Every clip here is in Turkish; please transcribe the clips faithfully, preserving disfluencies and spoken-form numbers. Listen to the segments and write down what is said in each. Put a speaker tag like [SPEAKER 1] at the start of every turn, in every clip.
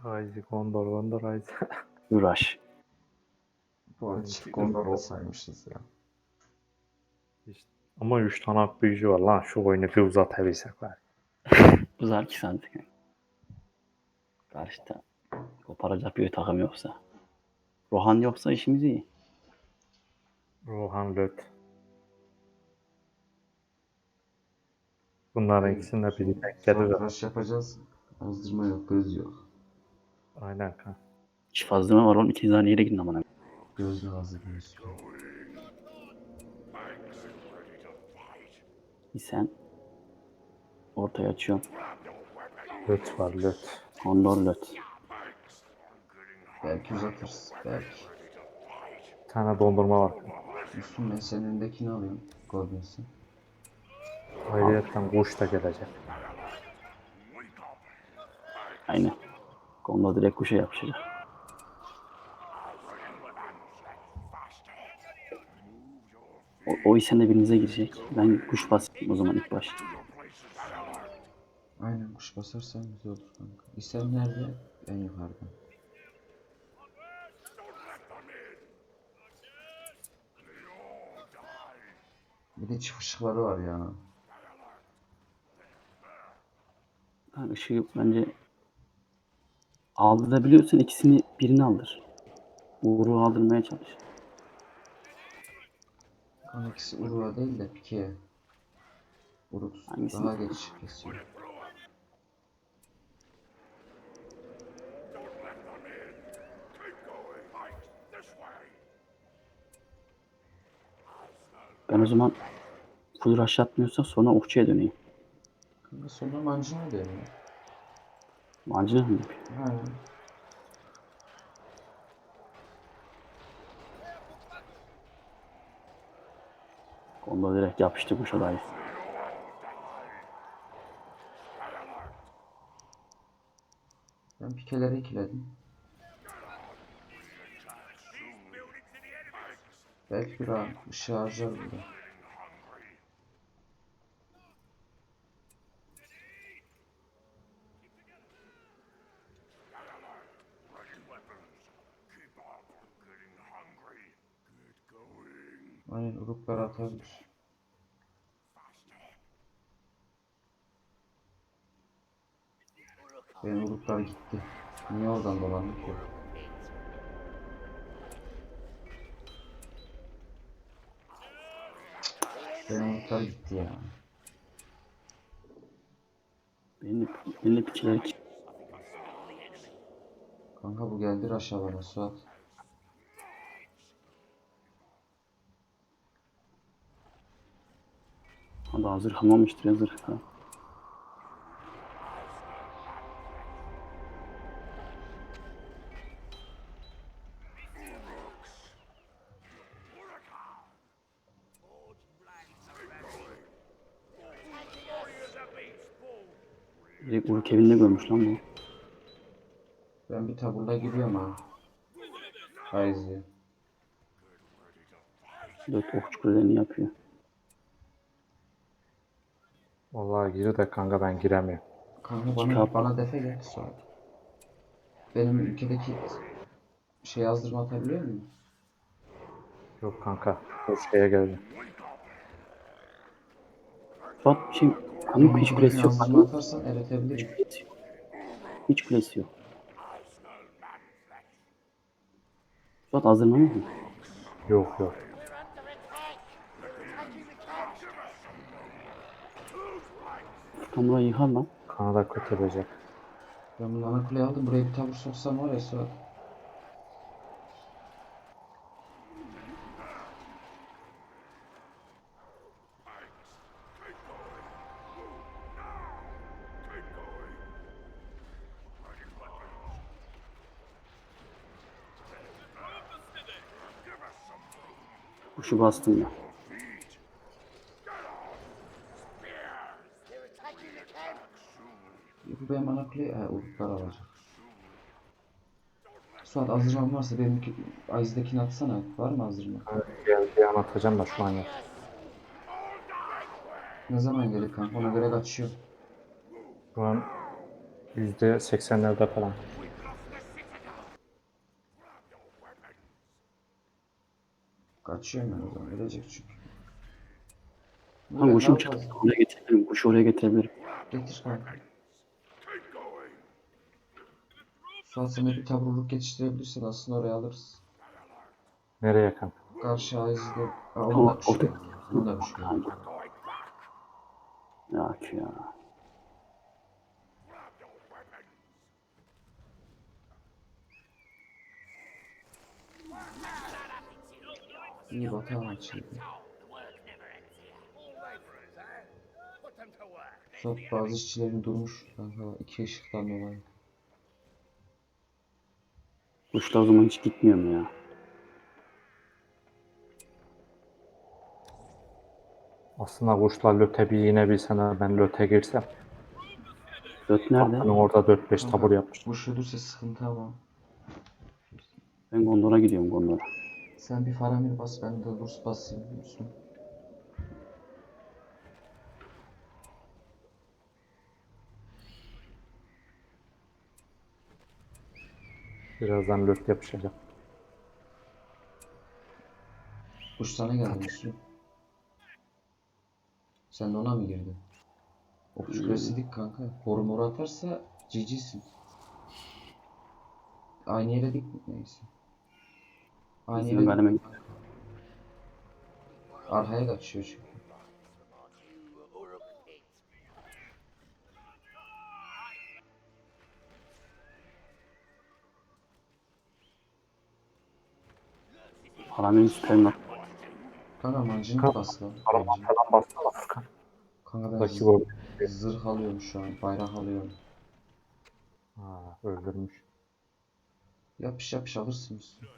[SPEAKER 1] Ryze, Gondor, Gondor, Ryze.
[SPEAKER 2] Uğraş.
[SPEAKER 3] Bu arada çift Gondor olsaymışız ya.
[SPEAKER 1] İşte. Ama üç tane ak büyücü var lan. Şu oyunu bir uzatabilsek var.
[SPEAKER 2] Uzar ki sandık. Karşıda koparacak bir takım yoksa. Rohan yoksa işimiz iyi.
[SPEAKER 1] Rohan Löt. Bunların ikisini de biri denk gelir.
[SPEAKER 3] Sonra rush yapacağız. Azdırma yok, göz yok.
[SPEAKER 1] Aynen kan.
[SPEAKER 2] İş fazlama var oğlum. İki tane yere gidin amına.
[SPEAKER 3] Göz lazım, göz.
[SPEAKER 2] Bir sen ortaya açıyorsun.
[SPEAKER 1] Löt var Löt.
[SPEAKER 2] Gondor löt.
[SPEAKER 3] Belki uzatırız, belki.
[SPEAKER 1] Bir tane dondurma var.
[SPEAKER 3] Müslüm, ben senin önündekini alıyorum. Goblins.
[SPEAKER 1] Ayrıyetten kuş da gelecek.
[SPEAKER 2] Aynen. Gondor direkt kuşa yapışacak. O, o isen de birinize girecek. Ben kuş basayım o zaman ilk baş.
[SPEAKER 3] Aynen, kuş basarsan güzel olur kanka. İsen nerede? En yukarıda. Bir de çift ışıkları var ya.
[SPEAKER 2] Ha, ışığı bence aldırabiliyorsan ikisini birini aldır. Uğur'u aldırmaya çalış.
[SPEAKER 3] Kanka ikisi Uruk'a değil de Pike'ye. Uruk
[SPEAKER 2] Hangisini?
[SPEAKER 3] daha geç kesiyor.
[SPEAKER 2] Ben o zaman full rush atmıyorsa sonra okçuya döneyim.
[SPEAKER 3] Kanka sonra mancına dönüyor.
[SPEAKER 2] Mancınık mı yapıyor?
[SPEAKER 3] Ha.
[SPEAKER 2] Gondor direkt yapıştı kuşa dair.
[SPEAKER 3] Ben Pike'leri ikiledim. Belki bir an ışığı harcar burada. Aynen, Uruklar atabilir. Benim Uruklar gitti. Niye oradan dolandı ki? Benim Uruklar gitti ya.
[SPEAKER 2] Benim de, benim de piçiler ki.
[SPEAKER 3] Kanka bu geldi aşağı bana Suat.
[SPEAKER 2] Hadi hazır hamamıştır ya zırh falan. Direkt Uruk evinde görmüş lan bu.
[SPEAKER 3] Ben bir taburla giriyorum ha. Hayzi.
[SPEAKER 2] Dört okçu kulelerini yapıyor.
[SPEAKER 1] Vallahi gir de kanka ben giremiyorum.
[SPEAKER 3] Kanka bana,
[SPEAKER 2] Çıkar.
[SPEAKER 3] bana defe gel Suat. Benim ülkedeki şey yazdırma atabiliyor muyum?
[SPEAKER 1] Yok kanka. O şeye geldi.
[SPEAKER 2] Suat şey, kanka hiç kulesi yok.
[SPEAKER 3] Yazdırma atarsan eretebilirim.
[SPEAKER 2] Hiç kulesi yok. Hiç kulesi yok. Suat hazırlanır mı?
[SPEAKER 1] Yok yok.
[SPEAKER 2] Furkan burayı yıkar lan.
[SPEAKER 1] Kanada kötülecek.
[SPEAKER 3] Ben bunu ana kuleye aldım. Buraya bir tabur soksam var ya Suat.
[SPEAKER 2] Kuşu bastım ya.
[SPEAKER 3] Bu benim ana kuleye he, Uruklar alacak. Suat azdırmam varsa benim Ayzdekini atsana. Var mı azdırma?
[SPEAKER 1] Geldiği an atacağım da şu an yok.
[SPEAKER 3] Ne zaman gelir kanka? Ona göre kaçıyor.
[SPEAKER 1] Şu an yüzde seksenlerde falan.
[SPEAKER 3] Kaçıyorum ben o zaman. Ölecek çünkü.
[SPEAKER 2] Ha
[SPEAKER 3] Ben
[SPEAKER 2] kuşum
[SPEAKER 3] daha
[SPEAKER 2] çıktı.
[SPEAKER 3] fazla-
[SPEAKER 2] Oraya getirebilirim. Kuşu oraya getirebilirim.
[SPEAKER 3] Getir kanka. Suat sen de bir taburluk geçiştirebilirsin. Aslında oraya alırız.
[SPEAKER 1] Nereye kanka?
[SPEAKER 3] Karşı Ayaz'da... Aa, onun da
[SPEAKER 2] O,
[SPEAKER 3] kuşu
[SPEAKER 2] orada.
[SPEAKER 3] yok. Onun da kuşu yok.
[SPEAKER 2] Kanka. Ya ki ya.
[SPEAKER 3] İyi batağın açıydı. Suat bazı işçilerin durmuş kanka. İki ışıktan dolayı.
[SPEAKER 2] Kuşla o zaman hiç gitmiyorum ya.
[SPEAKER 1] Aslında kuşlar löte bir inebilsene ben löte girsem.
[SPEAKER 2] Dört
[SPEAKER 1] Bak
[SPEAKER 2] nerede?
[SPEAKER 1] ben orada dört beş tabur
[SPEAKER 3] Kanka
[SPEAKER 1] yapmıştım.
[SPEAKER 3] kuş ölürse sıkıntı ama.
[SPEAKER 2] Ben Gondor'a gidiyorum Gondor'a.
[SPEAKER 3] Sen bir Faramir bas, ben de Rus basayım. Müslüm.
[SPEAKER 1] Birazdan löt yapışacak.
[SPEAKER 3] Kuş sana geldi Müslüm. Sen de ona mı girdin? Okçu kulesi dik kanka. Boru moru atarsa G G'sin. Aynı yere dik mi? Neyse. Aynı
[SPEAKER 2] Bizim
[SPEAKER 3] yere
[SPEAKER 2] galime
[SPEAKER 3] dik. Arkaya kaçıyor çünkü.
[SPEAKER 2] Paramın süperim yok.
[SPEAKER 3] Kanka mancınık
[SPEAKER 1] Kanka
[SPEAKER 3] bas lan
[SPEAKER 1] araba
[SPEAKER 3] bence.
[SPEAKER 1] falan bassana Furkan.
[SPEAKER 3] Kanka ben
[SPEAKER 1] Rakip
[SPEAKER 3] z-
[SPEAKER 1] orada.
[SPEAKER 3] zırh alıyorum şu an. Bayrak alıyorum.
[SPEAKER 1] Ha, öldürmüş.
[SPEAKER 3] Yapış yapış alırsın Müslüm.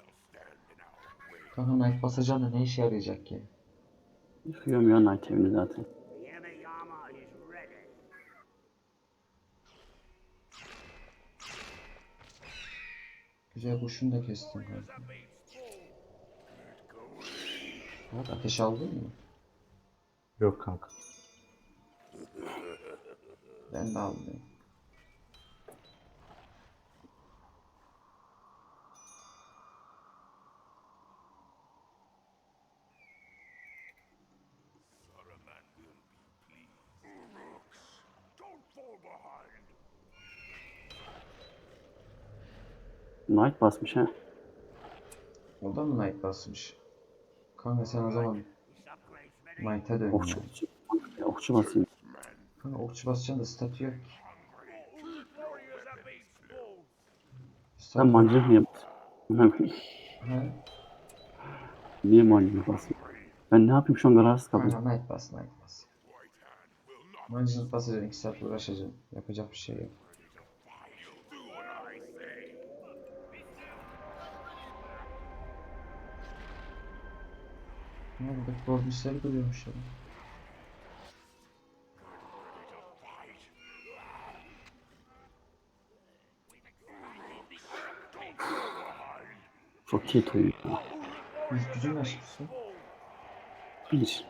[SPEAKER 3] Kanka Knight basacağım da ne işe yarayacak ki?
[SPEAKER 2] Yıkıyorum ya Night evini zaten.
[SPEAKER 3] Güzel kuşunu da kestim kanka. Bak ateş aldın mı?
[SPEAKER 1] Yok kanka.
[SPEAKER 3] Ben de aldım.
[SPEAKER 2] Night basmış ha.
[SPEAKER 3] O da mı Knight basmış? Kanka sen o zaman Knight'a dön
[SPEAKER 2] Okçu,
[SPEAKER 3] ya.
[SPEAKER 2] ya, okçu basayım.
[SPEAKER 3] Kanka okçu basacaksın da statü yok ki.
[SPEAKER 2] Ben
[SPEAKER 3] Statü yok.
[SPEAKER 2] mancınık niye basayım?
[SPEAKER 3] He?
[SPEAKER 2] Niye mancınık basayım? Ben ne yapayım şu an kararsız kaldım.
[SPEAKER 3] Kanka Knight bas, Knight bas. Mancınık basacaksın, iki saat uğraşacaksın. Yapacak bir şey yok. Ne oldu? Gorbisleri duruyormuş ya.
[SPEAKER 2] Çok iyi toyun ya.
[SPEAKER 3] Yüz gücün kaç Müslüm?
[SPEAKER 2] Bir.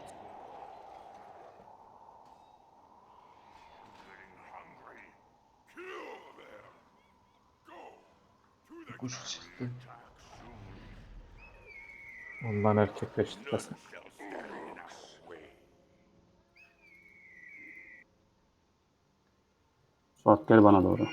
[SPEAKER 3] Kuş çıktı.
[SPEAKER 1] Ondan erkekleştirmesin.
[SPEAKER 2] Suat gel bana doğru.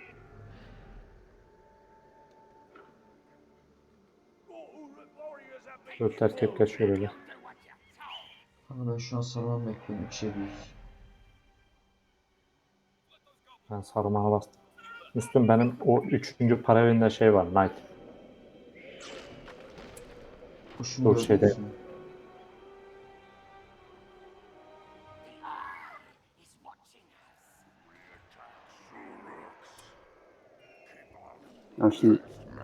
[SPEAKER 1] Dört erkekler şöyle bir.
[SPEAKER 3] Kanka ben şu an sarmam bekliyorum. üç yedi yüz.
[SPEAKER 1] Ben sarımana bastım. Üstüm benim o üçüncü para evinde şey var. Knight.
[SPEAKER 3] Kuşunu
[SPEAKER 1] Dur
[SPEAKER 3] gördün
[SPEAKER 1] şeyde.
[SPEAKER 3] müsün?
[SPEAKER 2] Ya şimdi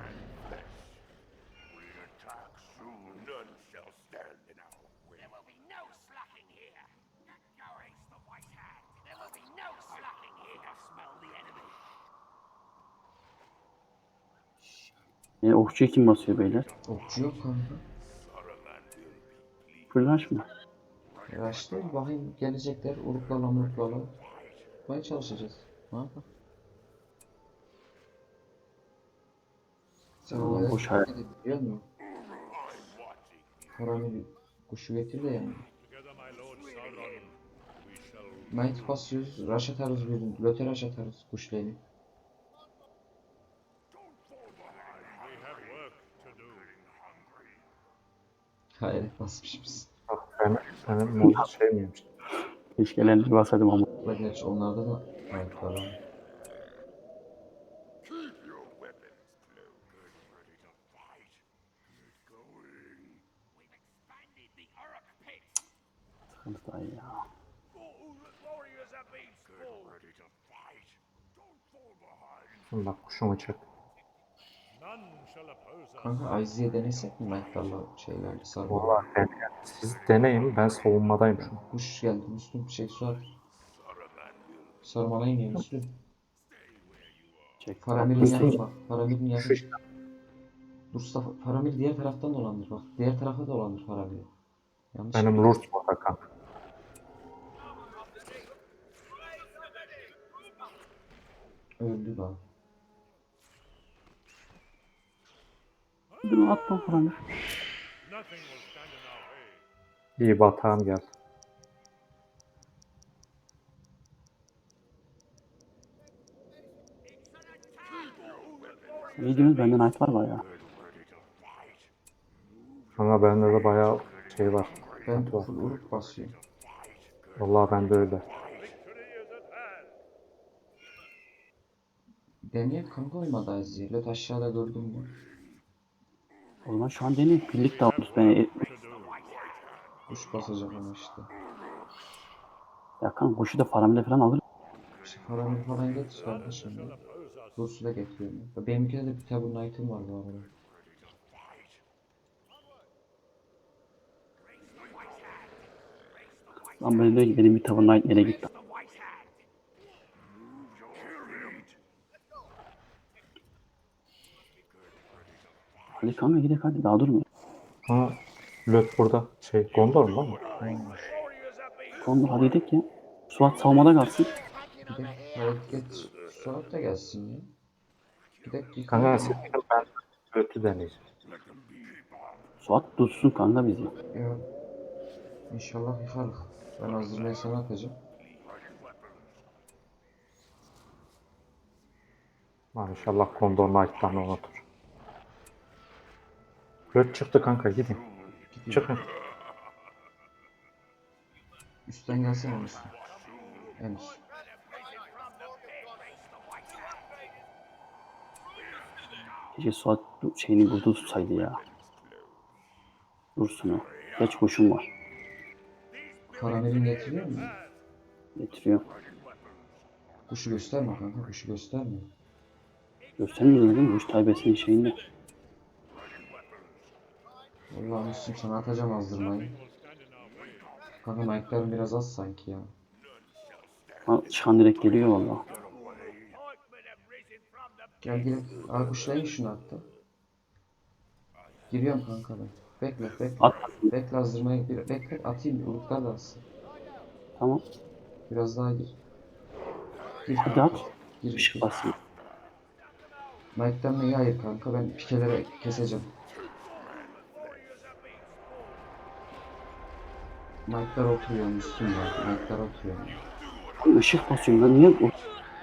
[SPEAKER 4] There will be no slacking here. Go ace the white hand. There will be no slacking here. Smell the enemy.
[SPEAKER 2] e, okçuyu kim basıyor beyler?
[SPEAKER 3] Okçu yok kanka.
[SPEAKER 2] Fırlaş mı?
[SPEAKER 3] Yaşlı bakayım gelecekler. Uruklarla muruklarla. Tutmaya çalışacağız. Ne yapalım? Sen
[SPEAKER 2] Aman
[SPEAKER 3] olaya
[SPEAKER 2] boş
[SPEAKER 3] dikkat
[SPEAKER 2] hayal.
[SPEAKER 3] edin biliyor musun? Paramir kuşu getir de yani. Might basıyoruz. Rush atarız bir. Löte rush atarız kuşları. Hayret basmışız.
[SPEAKER 1] Bak ben senin modu şey miymiş?
[SPEAKER 2] Keşke elleri basaydım ama.
[SPEAKER 3] La gerçi onlarda da might var ama.
[SPEAKER 4] Expanded the Uruk pit.
[SPEAKER 2] Sıkıntı da iyi ya.
[SPEAKER 4] All the warriors have been spawned. Ready to fight. Don't fall behind.
[SPEAKER 1] Şimdi bak kuşumu çek.
[SPEAKER 3] Kanka Ice'ye denesek mi Might'larla şeylerle sarma?
[SPEAKER 1] Vallahi deneyin. Siz deneyin, ben savunmadayım şu an.
[SPEAKER 3] Kuş geldi Müslüm şey Suat. Sarmalayın ya Müslüm.
[SPEAKER 2] Çek.
[SPEAKER 3] Paramir'in
[SPEAKER 1] Müslüm-
[SPEAKER 3] yanına bak. Paramir'in yanına.
[SPEAKER 1] Şu işte.
[SPEAKER 3] Mustafa Paramir diğer taraftan dolandır bak. Diğer tarafa dolandır Paramir'i. Yanlış.
[SPEAKER 1] Benim Lurs burada kanka.
[SPEAKER 3] Öldü lan.
[SPEAKER 2] Bunu atma falan.
[SPEAKER 1] İyi batağım geldi.
[SPEAKER 2] İyi diyorsunuz bende knight var bayağı.
[SPEAKER 1] Kanka bende de bayağı şey var.
[SPEAKER 3] Ben
[SPEAKER 1] Sıkıntı var.
[SPEAKER 3] full uruk basıyorum.
[SPEAKER 1] Vallahi bende öyle.
[SPEAKER 3] Deneye kanka olmadı Ice'ye. Löt aşağıda gördün mü?
[SPEAKER 2] O zaman şu an deneyin. Birlik davuluz beni.
[SPEAKER 3] Kuş basacak ama işte.
[SPEAKER 2] Ya kan kuşu da faramile falan alır.
[SPEAKER 3] İşte Paramir falan getir kardeşim ya. Rus'u da getiriyorum. Ya. Benimkide de bir Tabur Knight'ım var bu arada.
[SPEAKER 2] Lan böyle diyor ki benim bir tavır knight nereye gitti. Hadi kanka gidelim hadi daha durmuyor.
[SPEAKER 1] Ha, Löt burada. Şey, Gondor mu lan?
[SPEAKER 2] Kondur hadi gidelim ya. Suat savunmada kalsın.
[SPEAKER 3] Bir de evet geç. Suat da gelsin ya. Bir dakika.
[SPEAKER 1] Kanka siz gidin, ben Löt'ü deneyeceğim.
[SPEAKER 2] Suat tutsun kanka bizi.
[SPEAKER 3] Ya. İnşallah yıkarız. Ben hazırlayı sana atacağım.
[SPEAKER 1] Lan inşallah Gondor Knight'tan unutur. Löt çıktı kanka, gidin. Çıkın.
[SPEAKER 3] Üstten gelsene Müslüm. En üst.
[SPEAKER 2] Keşke Suat bu şeyini burada tutsaydı ya. Dursun o. Geç kuşum var.
[SPEAKER 3] Paramir'in getiriyor mu?
[SPEAKER 2] Getiriyor.
[SPEAKER 3] Kuşu gösterme kanka. Kuşu gösterme.
[SPEAKER 2] Göstermiyoruz değil mi? Kuş taybesinin şeyinde.
[SPEAKER 3] Vallahi Müslüm sana atacağım azdırmayı. Kanka Knight'ların biraz az sanki ya.
[SPEAKER 2] Ha, çıkan direkt geliyor valla.
[SPEAKER 4] Pikemen have risen from the
[SPEAKER 3] Gel gel. Aa kuşlayın şunu hatta. Giriyorum kanka ben. Bekle bekle.
[SPEAKER 2] At.
[SPEAKER 3] Bekle azdırmayı. Bir, bekle atayım. Uruklar da atsın.
[SPEAKER 2] Tamam.
[SPEAKER 3] Biraz daha gir. Gir
[SPEAKER 2] Hadi
[SPEAKER 3] kanka.
[SPEAKER 2] at.
[SPEAKER 3] Gir.
[SPEAKER 2] Işık
[SPEAKER 3] gir.
[SPEAKER 2] basayım.
[SPEAKER 3] Knight'tan neyi hayır kanka. Ben pikelere keseceğim. Knight'lar oturuyor Müslüm ya. Knight'lar oturuyor.
[SPEAKER 2] Lan ışık basıyorum lan niye? O-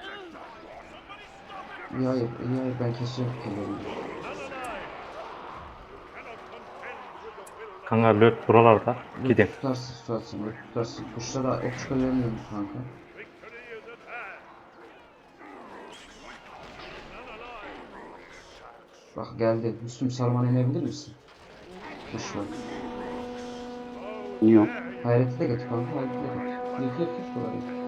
[SPEAKER 3] İyi hayır. iyi hayır. Ben kesiyorum pikeleri.
[SPEAKER 1] Kanka Löt buralarda. Gidin.
[SPEAKER 3] Tutarsın tutarsın. Böyle tutarsın. Kuşlara da ok çıkarıyorum kanka. Bak geldi. Müslüm sarman inebilir misin? Kuş var.
[SPEAKER 2] Niye?
[SPEAKER 3] Hayreti de getir kanka. Hayreti de getir. Yık yık yık burayı.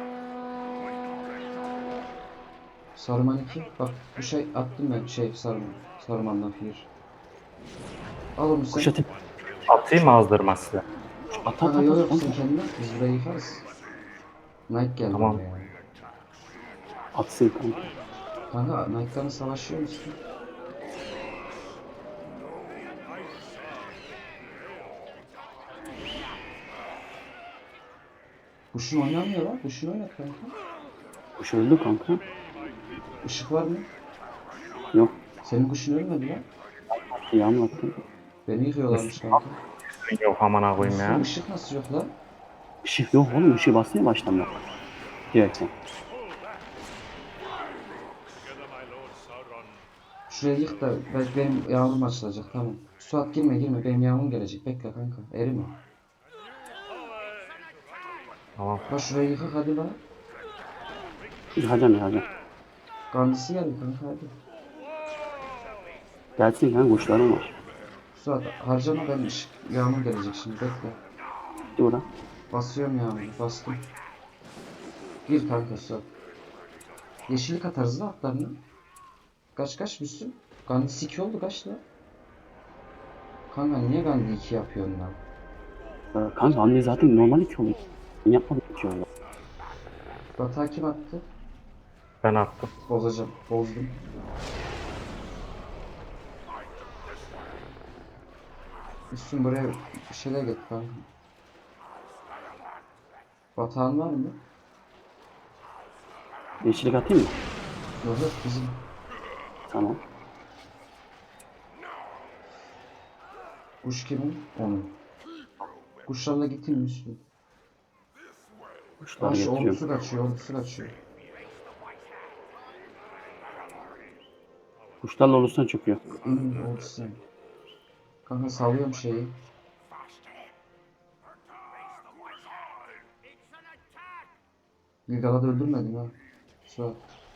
[SPEAKER 3] Sarman iki. Bak bu şey attım ben şey sarman. Sarmandan fiir. Al onu sen.
[SPEAKER 2] Kuş atayım.
[SPEAKER 1] Atayım mı azdırma size?
[SPEAKER 2] At at
[SPEAKER 3] Kanka
[SPEAKER 2] at.
[SPEAKER 3] yok
[SPEAKER 2] at,
[SPEAKER 3] yok
[SPEAKER 2] at.
[SPEAKER 3] sen kendin at. Biz burayı yıkarız. Knight geldi
[SPEAKER 1] Tamam.
[SPEAKER 3] buraya.
[SPEAKER 2] Atsın kanka.
[SPEAKER 3] Kanka Knight'larla savaşıyor musun? Kuşun oynamıyor lan. Kuşun oynat kanka.
[SPEAKER 2] Kuş öldü kanka.
[SPEAKER 3] Işık var mı?
[SPEAKER 2] Yok.
[SPEAKER 3] Senin kuşun ölmedi lan.
[SPEAKER 2] İyi anlattın.
[SPEAKER 3] Beni yıkıyorlarmış kanka.
[SPEAKER 1] Yok amına koyayım
[SPEAKER 3] Müslüm
[SPEAKER 1] ya.
[SPEAKER 3] ışık nasıl yok lan?
[SPEAKER 2] Işık yok oğlum. Işığı basmaya başlamıyor. Direkten.
[SPEAKER 3] Şuraya yık da belki benim yağmurum açılacak tamam. Suat girme girme benim yağmurum gelecek. Bekle kanka. Erime.
[SPEAKER 1] Tamam.
[SPEAKER 3] Bak şurayı yıkak hadi la.
[SPEAKER 2] Yıkacağım yıkacağım.
[SPEAKER 3] Gandisi geldi kanka hadi.
[SPEAKER 2] Gelsin kanka kuşlarım var.
[SPEAKER 3] Suat harcama ben ışık yağmur gelecek şimdi bekle.
[SPEAKER 2] Gitti bura.
[SPEAKER 3] Basıyorum yağmuru bastım. Gir kanka Suat. Yeşillik atarız la atlarını. Kaç kaç Müslüm? Gandhi iki oldu kaç la? Kanka niye Gandhi iki yapıyorsun lan?
[SPEAKER 2] Ee, Kanka anne zaten normal iki oluyor. Ben yapmadım iki oldu.
[SPEAKER 3] Batağı kim attı?
[SPEAKER 1] Ben attım.
[SPEAKER 3] Bozacağım. Bozdum. Müslüm buraya bir şeyler getir kanka. Batağın var mı?
[SPEAKER 2] Yeşillik atayım mı?
[SPEAKER 3] Yok yok bizim.
[SPEAKER 2] Tamam.
[SPEAKER 3] Kuş kimin? Onun. Kuşlarla gittin Müslüm.
[SPEAKER 2] Kuşları
[SPEAKER 3] Aa şu
[SPEAKER 2] getiriyorum.
[SPEAKER 3] ordusu kaçıyor, ordusu kaçıyor.
[SPEAKER 2] Kuşlarla olursan çıkıyor.
[SPEAKER 3] Hmm, ordusu. Kanka sallıyorum şeyi. Gilgal'ı da öldürmedim ha. Suat.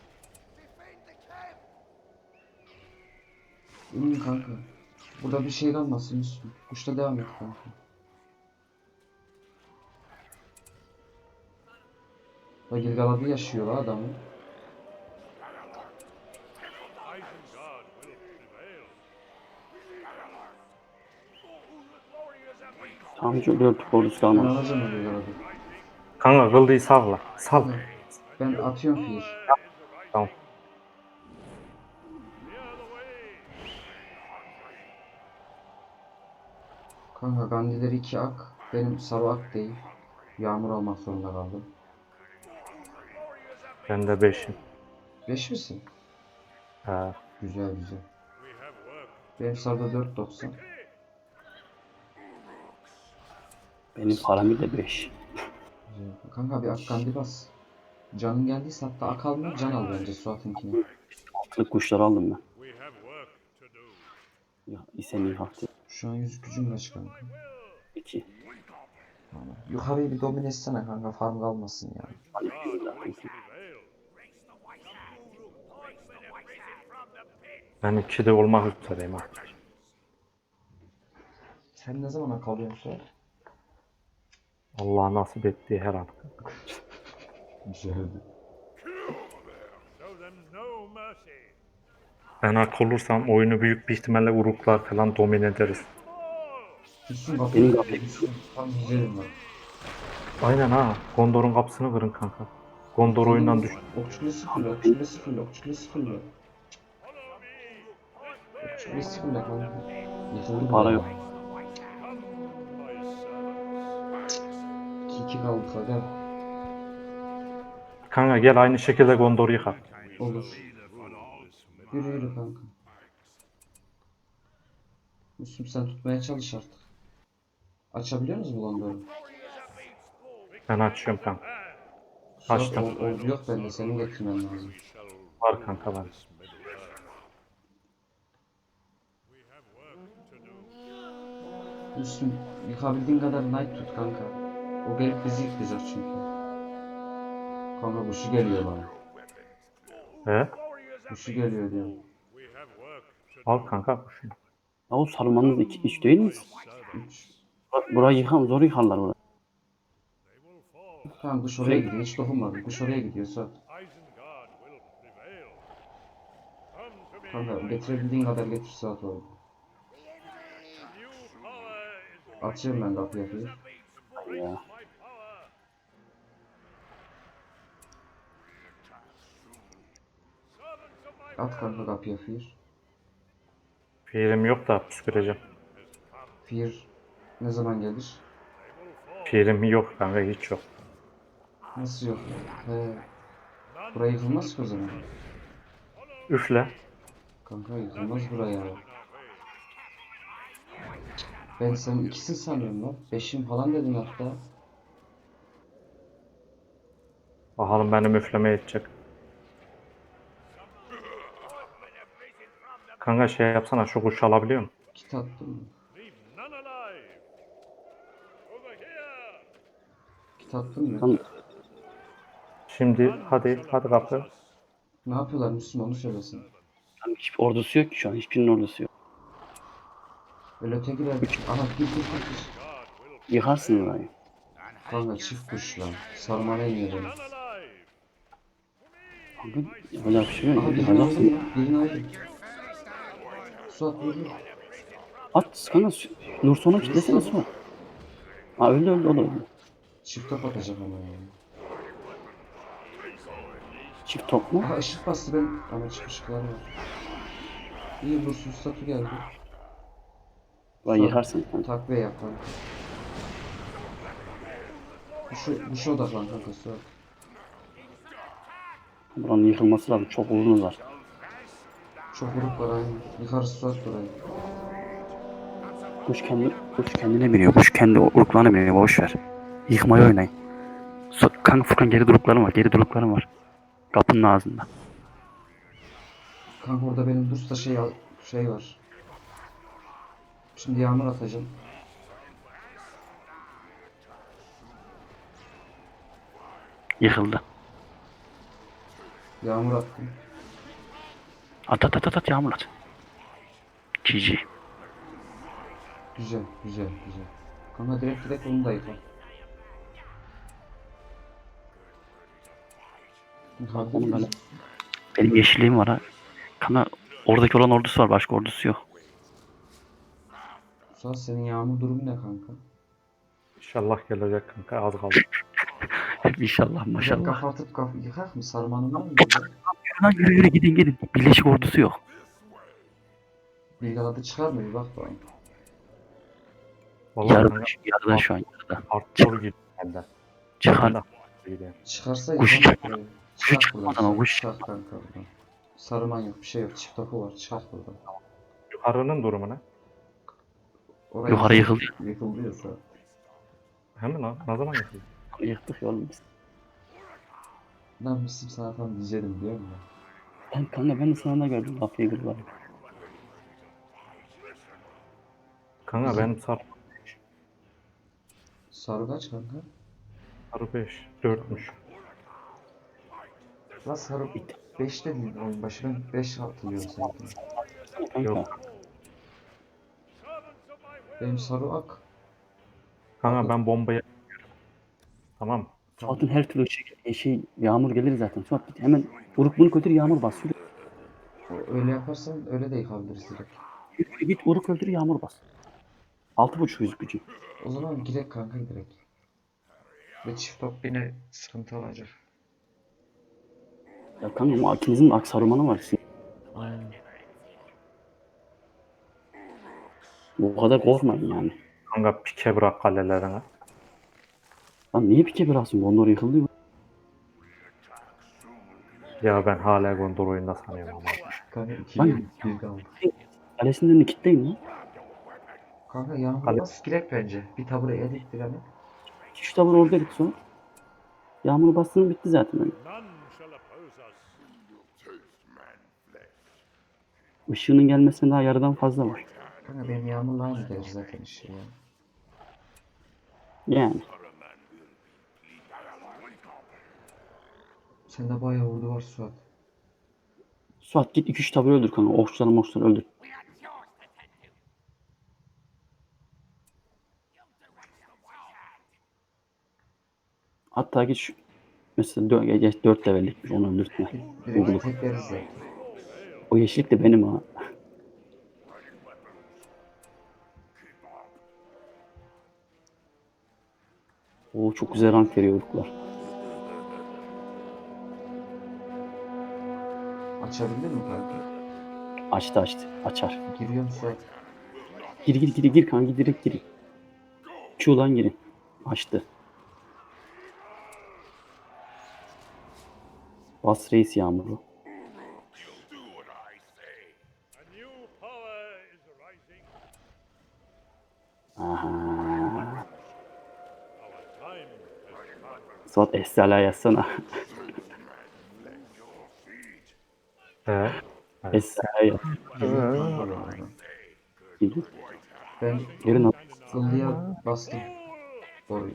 [SPEAKER 3] İnin kanka. Burada bir şey kalmasın Müslüm. Kuşla devam et kanka. Da Gilgal'ı yaşıyor la adamı.
[SPEAKER 2] Tamam hiç dört ordusu
[SPEAKER 3] Ben
[SPEAKER 2] kalmadı.
[SPEAKER 3] alacağım o Gilgal'ı.
[SPEAKER 1] Kanka kıldıyı salla. Sal.
[SPEAKER 3] Ben atıyorum fiil.
[SPEAKER 1] Tamam.
[SPEAKER 3] Kanka Gandhi'leri iki ak. Benim sarı ak değil. Yağmur almak zorunda kaldım.
[SPEAKER 1] Ben de beşim.
[SPEAKER 3] beş misin?
[SPEAKER 1] He.
[SPEAKER 3] Güzel güzel. Benim sarıda dört doksan.
[SPEAKER 2] Benim paramı da beş.
[SPEAKER 3] Güzel. Kanka bir ak Gandhi bas. Canın geldiyse hatta ak alma can al bence Suat'ınkini.
[SPEAKER 2] Altılık kuşları aldım ben. Ya İsenin hakkı.
[SPEAKER 3] Şu an yüz gücüm kaç kanka?
[SPEAKER 2] iki.
[SPEAKER 3] Tamam. Yukarıyı bir domine etsene kanka farm kalmasın yani.
[SPEAKER 2] Hadi bismillah kanka.
[SPEAKER 1] Ben ikide olmak üzereyim artık.
[SPEAKER 3] Sen ne zaman ak alıyorsun Suat?
[SPEAKER 1] Allah nasip ettiği her an.
[SPEAKER 3] Güzeldi.
[SPEAKER 1] Ben hak olursam oyunu büyük bir ihtimalle uruklar falan domine ederiz.
[SPEAKER 3] Müslüm bak.
[SPEAKER 2] Benim kapıyı-
[SPEAKER 3] Müslüm tam güzelim bak.
[SPEAKER 1] Aynen ha. Gondor'un kapısını kırın kanka. Gondor oyundan düş.
[SPEAKER 3] Okçu kulesi full, okçu kulesi full, okçu kulesi full. Okçu kulesi full kanka. Yıkıldı
[SPEAKER 2] Para
[SPEAKER 3] bu
[SPEAKER 2] yok.
[SPEAKER 3] ya. iki iki kaldık aga.
[SPEAKER 1] Kanka gel aynı şekilde Gondor'u yıkar.
[SPEAKER 3] Olur. Yürü yürü kanka. Müslüm sen tutmaya çalış artık. Açabiliyor musun bu Gondor'u?
[SPEAKER 1] Ben açıyorum kanka.
[SPEAKER 3] Suat,
[SPEAKER 1] Açtım.
[SPEAKER 3] o- Ordu yok bende, senin getirmen lazım.
[SPEAKER 1] Var kanka var.
[SPEAKER 3] Müslüm yıkabildiğin kadar knight tut kanka. O gelip bizi yıkacak çünkü. Kanka kuşu geliyor bana.
[SPEAKER 1] He?
[SPEAKER 3] Kuşu geliyor diyor.
[SPEAKER 1] Al kanka kuşunu.
[SPEAKER 2] Ya o sarılmanız iki, üç değil mi?
[SPEAKER 3] üç.
[SPEAKER 2] Bura- Burayı yıkan zor yıkarlar burayı.
[SPEAKER 3] Tamam kuş oraya gidiyor. Hiç dokunmadım. Kuş oraya gidiyor Suat. Kanka getirebildiğin kadar getir Suat orada. Açıyorum ben kapıyı yapayım.
[SPEAKER 2] Ya.
[SPEAKER 3] At kanka kapıya Fear.
[SPEAKER 1] Pirim yok da püsküreceğim.
[SPEAKER 3] Fear ne zaman gelir?
[SPEAKER 1] Pirim yok kanka hiç yok.
[SPEAKER 3] Nasıl yok? He. Buraya yıkılmaz ki o zaman.
[SPEAKER 1] Üfle.
[SPEAKER 3] Kanka yıkılmaz buraya. Ben senin ikisin sanıyorum lan. Beşim falan dedin hatta.
[SPEAKER 1] Bakalım beni müfleme edecek. Kanka şey yapsana, şu kuşu alabiliyor musun?
[SPEAKER 3] Kit attın mı? Kit attın mı?
[SPEAKER 2] Lan
[SPEAKER 1] Şimdi hadi hadi kapı.
[SPEAKER 3] Ne yapıyorlar Müslüm onu söylesin.
[SPEAKER 2] lan hiçbir ordusu yok ki şu an. Hiçbirinin ordusu yok.
[SPEAKER 3] Öyle ötekiler. Aha gir gir gir gir.
[SPEAKER 2] Yıkarsın orayı.
[SPEAKER 3] Kanka çift kuş lan. Sarmana iniyor beni.
[SPEAKER 2] Kanka yapacak bir şey
[SPEAKER 3] Aha
[SPEAKER 2] yok.
[SPEAKER 3] birini aldım
[SPEAKER 2] Yıkacaksın.
[SPEAKER 3] ya. Birini aldım. Suat vur vur.
[SPEAKER 2] At kanka. su- Nur sonu kitlesene Suat. Ha öldü öldü o da öldü.
[SPEAKER 3] Çift top atacak ama ya.
[SPEAKER 2] Çift top mu?
[SPEAKER 3] Aha ışık bastı ben. Ama ışık ışıklar var. İyi vursuz statü geldi.
[SPEAKER 2] Vay
[SPEAKER 3] Suat,
[SPEAKER 2] yıkarsın kanka.
[SPEAKER 3] takviye yap kanka. Bu şu, bu şu odaklan kanka Suat.
[SPEAKER 2] Buranın yıkılması lazım. Çok uzun var.
[SPEAKER 3] Çok vuruk var aynı. Yıkarız Suat burayı.
[SPEAKER 2] Kuş kendi kuş kendine biniyor. Kuş kendi uruklarına biniyor. Boş ver. Yıkmayı oynayın. Su, kanka Furkan geri duruklarım var. Geri duruklarım var. Kapının ağzında.
[SPEAKER 3] Kanka orada benim Dursta şey, al- şey var. Şimdi yağmur atacağım.
[SPEAKER 2] Yıkıldı.
[SPEAKER 3] Yağmur attım.
[SPEAKER 2] At at at at, at yağmur at. G G.
[SPEAKER 3] Güzel, güzel, güzel. Kanka direkt direkt onu da yıkar. Hadi
[SPEAKER 2] Onu böyle-
[SPEAKER 3] biz-
[SPEAKER 2] Benim yeşilliğim var ha. Kanka oradaki olan ordusu var. Başka ordusu yok.
[SPEAKER 3] Suat senin yağmur durumu ne kanka?
[SPEAKER 1] İnşallah gelecek kanka, az kaldı.
[SPEAKER 2] İnşallah
[SPEAKER 3] Güzel
[SPEAKER 2] maşallah.
[SPEAKER 3] kapatıp kaf yıkak mı? Sarmanın var mı? burada?
[SPEAKER 2] Lan yürü yürü gidin gidin. Birleşik ordusu yok.
[SPEAKER 3] Bilgaladı çıkar mı? Bir bak bakayım.
[SPEAKER 1] Vallahi
[SPEAKER 2] Yarıda,
[SPEAKER 1] kanka
[SPEAKER 2] yarıda şu an yarıda.
[SPEAKER 1] hardcore gidiyor benden.
[SPEAKER 2] Çıkar.
[SPEAKER 1] Ben de gidiyor.
[SPEAKER 3] Çıkarsa
[SPEAKER 2] Kuş
[SPEAKER 3] yıkar
[SPEAKER 2] çıkma-
[SPEAKER 3] burayı.
[SPEAKER 2] kuş
[SPEAKER 3] Çıkart
[SPEAKER 2] çıkmadan
[SPEAKER 3] buradan.
[SPEAKER 2] ama
[SPEAKER 3] Çıkart,
[SPEAKER 2] kuş
[SPEAKER 3] çıkart kanka buradan. Sarman yok, bir şey yok. Çift topu var. Çıkart buradan.
[SPEAKER 1] Yukarının durumu ne?
[SPEAKER 3] Orayı
[SPEAKER 2] Yukarı yıkıldı.
[SPEAKER 3] Yıkıldı ya Suat.
[SPEAKER 1] Hemen lan, ne zaman yapıyor?
[SPEAKER 2] Yıktık ya oğlum biz.
[SPEAKER 3] Ben Müslüm sana tam diyeceğim biliyor musun?
[SPEAKER 2] Ben kanka ben de sınavda gördüm. Lafayı kırdılar.
[SPEAKER 1] Kanka benim sarı
[SPEAKER 3] Sarı kaç kanka?
[SPEAKER 1] sarı beş, dörtmüş.
[SPEAKER 3] La sarı beş dedin oyun başı, ben beş hatırlıyorum sanki.
[SPEAKER 2] Kanka.
[SPEAKER 1] Yok.
[SPEAKER 3] Benim sarı ak.
[SPEAKER 1] Kanka ben bombayı tamam.
[SPEAKER 2] Suat'ın her türlü şey, şey yağmur gelir zaten. Suat git hemen uruk bunu götür yağmur bas. Yürü,
[SPEAKER 3] O- Öyle yaparsan öyle de yıkabiliriz direkt.
[SPEAKER 2] yürü git uruk öldür yağmur bas. Altı buçuk yüz gücü.
[SPEAKER 3] O zaman girek kanka direkt. Ve çift top yine sıkıntı olacak.
[SPEAKER 2] Ya kanka o ikinizin de aksarumanı var.
[SPEAKER 3] Aynen.
[SPEAKER 2] O kadar korkmayın yani.
[SPEAKER 1] Kanka pike bırak kalelerine.
[SPEAKER 2] Lan niye pike bıraksın? Gondor yıkıldı ya.
[SPEAKER 1] Ya ben hala Gondor oyunda sanıyorum ama.
[SPEAKER 3] Kanka iki
[SPEAKER 2] Lan-
[SPEAKER 3] bir kaldı.
[SPEAKER 2] Kalesinin önünü kilitleyin lan.
[SPEAKER 3] Kanka yağmur
[SPEAKER 1] Kale-
[SPEAKER 3] bas girek bence. Bir tabureye dik direlim.
[SPEAKER 2] İki üç tavır orada git Suat. Yağmur bastığın bitti zaten. Yani. Işığının gelmesine daha yarıdan fazla var.
[SPEAKER 3] Kanka benim yağmurla aynı gelir zaten işi ya.
[SPEAKER 2] Yani.
[SPEAKER 3] Sende bayağı ordu var Suat.
[SPEAKER 2] Suat git iki üç tavır öldür kanka. Okçuları mokçuları öldür.
[SPEAKER 4] We had yours to tend to. You'll direct the white hand.
[SPEAKER 2] Hatta git şu mesela dö- geç dört levellikmiş onu öldürtme.
[SPEAKER 3] Direkt tekleriz zaten.
[SPEAKER 2] O yeşillik de benim ha. Oo çok güzel rank veriyor uruklar.
[SPEAKER 3] Açabildin mi kanka?
[SPEAKER 2] Açtı açtı. Açar.
[SPEAKER 3] Giriyorum Suat.
[SPEAKER 2] Gir gir gir gir kanka direkt girin. Q'dan girin. Açtı. Bas reis yağmuru. Aha. Suat Esra'la yazsana.
[SPEAKER 1] He.
[SPEAKER 2] Esra'ya yaz.
[SPEAKER 3] Geliyor kanka bu arada.
[SPEAKER 2] Geliyor.
[SPEAKER 3] Ben
[SPEAKER 2] Gelin al.
[SPEAKER 3] Illı'ya bastım. Orayı.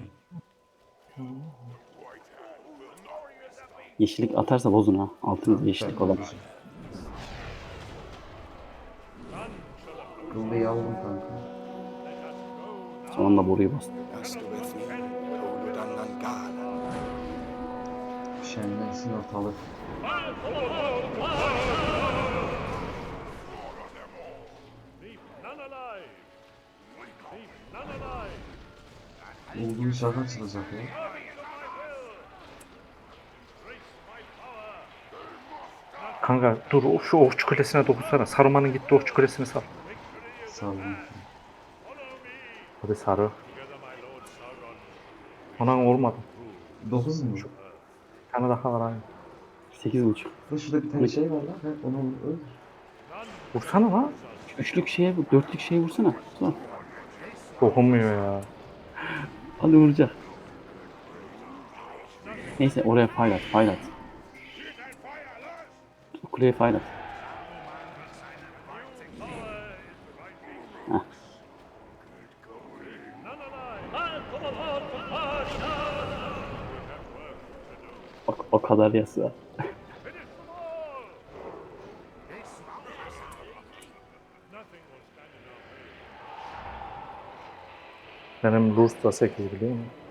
[SPEAKER 2] Yeşillik atarsa bozun ha. Altınızda yeşillik
[SPEAKER 3] Ben
[SPEAKER 2] olan.
[SPEAKER 3] olacağım. Illı'yı aldım kanka.
[SPEAKER 2] Sonunda boruyu bastım.
[SPEAKER 3] Şenlensin ortalık. Bulduğum şarkı açılacak ya.
[SPEAKER 1] Kanka dur o- şu okçu kulesine dokunsana. Saruman'ın gitti okçu kulesini sar.
[SPEAKER 3] Saldım.
[SPEAKER 1] Hadi sarı. Anan olmadı.
[SPEAKER 3] dokuz mu?
[SPEAKER 1] Bir tane daha var aynı.
[SPEAKER 2] Sekiz buçuk.
[SPEAKER 3] Dur şurada bir tane şey var lan. He, onu öldür.
[SPEAKER 1] Vursana lan.
[SPEAKER 2] Üçlük şeye vur. Dörtlük şeye vursana. Suat.
[SPEAKER 1] Dokunmuyor ya.
[SPEAKER 2] Hadi vuracak. Neyse oraya file at. File at. Kuleye file at. Heh. O, o kadar yasa.
[SPEAKER 1] Benim Rus da sekiz biliyor musun?